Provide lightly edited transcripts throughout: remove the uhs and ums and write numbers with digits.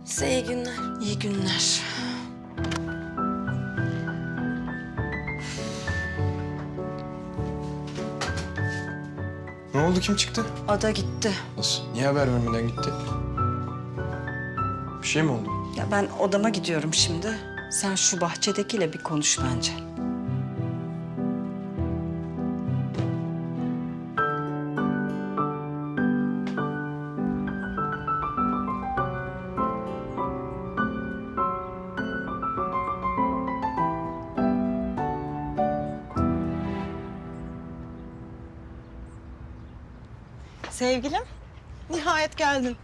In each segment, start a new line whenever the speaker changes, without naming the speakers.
Size iyi günler.
İyi günler.
Ne oldu, kim çıktı?
Ada gitti.
Nasıl? Niye haber vermeden gitti? Bir şey mi oldu?
Ya ben odama gidiyorum şimdi. Sen şu bahçedekiyle bir konuş bence.
Sevgilim, nihayet geldin.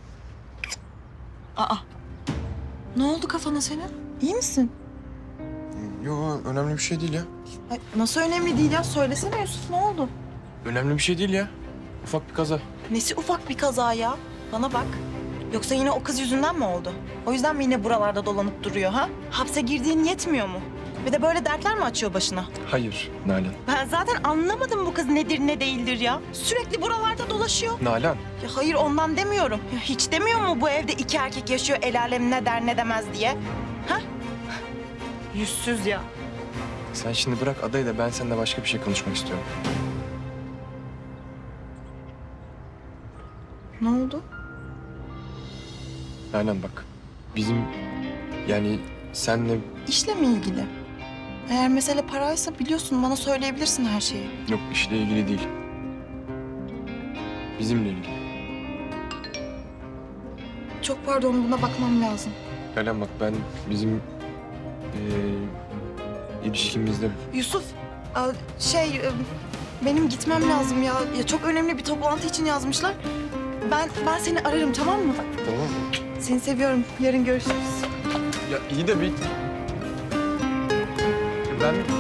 Aa, ne oldu kafana senin? İyi misin?
Yok, önemli bir şey değil ya.
Ay, nasıl önemli değil ya? Söylesene Yusuf, ne oldu?
Önemli bir şey değil ya. Ufak bir kaza.
Nesi ufak bir kaza ya? Bana bak. Yoksa yine o kız yüzünden mi oldu? O yüzden mi yine buralarda dolanıp duruyor ha? Hapse girdiğin yetmiyor mu? Bir de böyle dertler mi açıyor başına?
Hayır Nalan.
Ben zaten anlamadım bu kız nedir ne değildir ya. Sürekli buralarda dolaşıyor.
Nalan.
Ya hayır ondan demiyorum. Ya hiç demiyor mu bu evde iki erkek yaşıyor el alem ne der ne demez diye? Ha? Yüzsüz ya.
Sen şimdi bırak adayı da ben seninle başka bir şey konuşmak istiyorum.
Ne oldu?
Nalan bak. Bizim yani senle
İşle mi ilgili? Eğer mesele paraysa biliyorsun bana söyleyebilirsin her şeyi.
yok işle ilgili değil. Bizimle ilgili.
Çok pardon buna bakmam lazım.
Nalan bak ben bizim ilişkimizde
Yusuf, benim gitmem lazım ya. Ya çok önemli bir toplantı için yazmışlar. Ben seni ararım tamam mı?
tamam mı?
Seni seviyorum. Yarın görüşürüz.
Ya iyi de bir... Ben